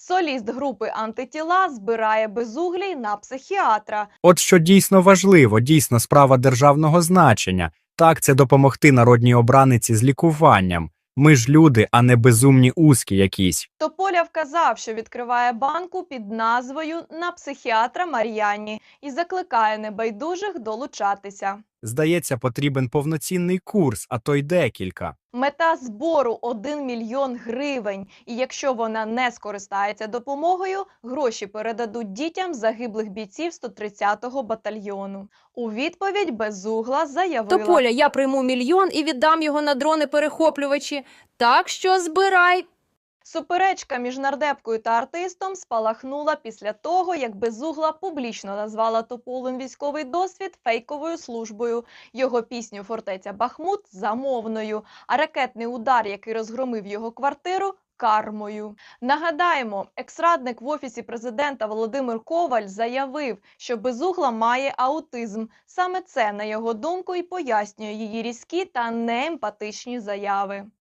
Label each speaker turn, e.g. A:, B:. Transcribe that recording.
A: Соліст групи «Антитіла» збирає безуглій на психіатра.
B: От що дійсно важливо, дійсно справа державного значення. Так, це допомогти народній обраниці з лікуванням. Ми ж люди, а не безумні узкі якісь.
A: Тополя вказав, що відкриває банку під назвою «На психіатра Мар'яні» і закликає небайдужих долучатися.
B: Здається, потрібен повноцінний курс, а то й декілька.
A: Мета збору – 1 мільйон гривень. І якщо вона не скористається допомогою, гроші передадуть дітям загиблих бійців 130-го батальйону. У відповідь Безугла заявила:
C: Тополя, я прийму 1 мільйон і віддам його на дрони-перехоплювачі. Так що збирай.
A: Суперечка між нардепкою та артистом спалахнула після того, як Безугла публічно назвала Тополин військовий досвід фейковою службою, його пісню «Фортеця Бахмут» – замовною, а ракетний удар, який розгромив його квартиру – кармою. Нагадаємо, екс-радник в Офісі президента Володимир Коваль заявив, що Безугла має аутизм. Саме це, на його думку, і пояснює її різкі та неемпатичні заяви.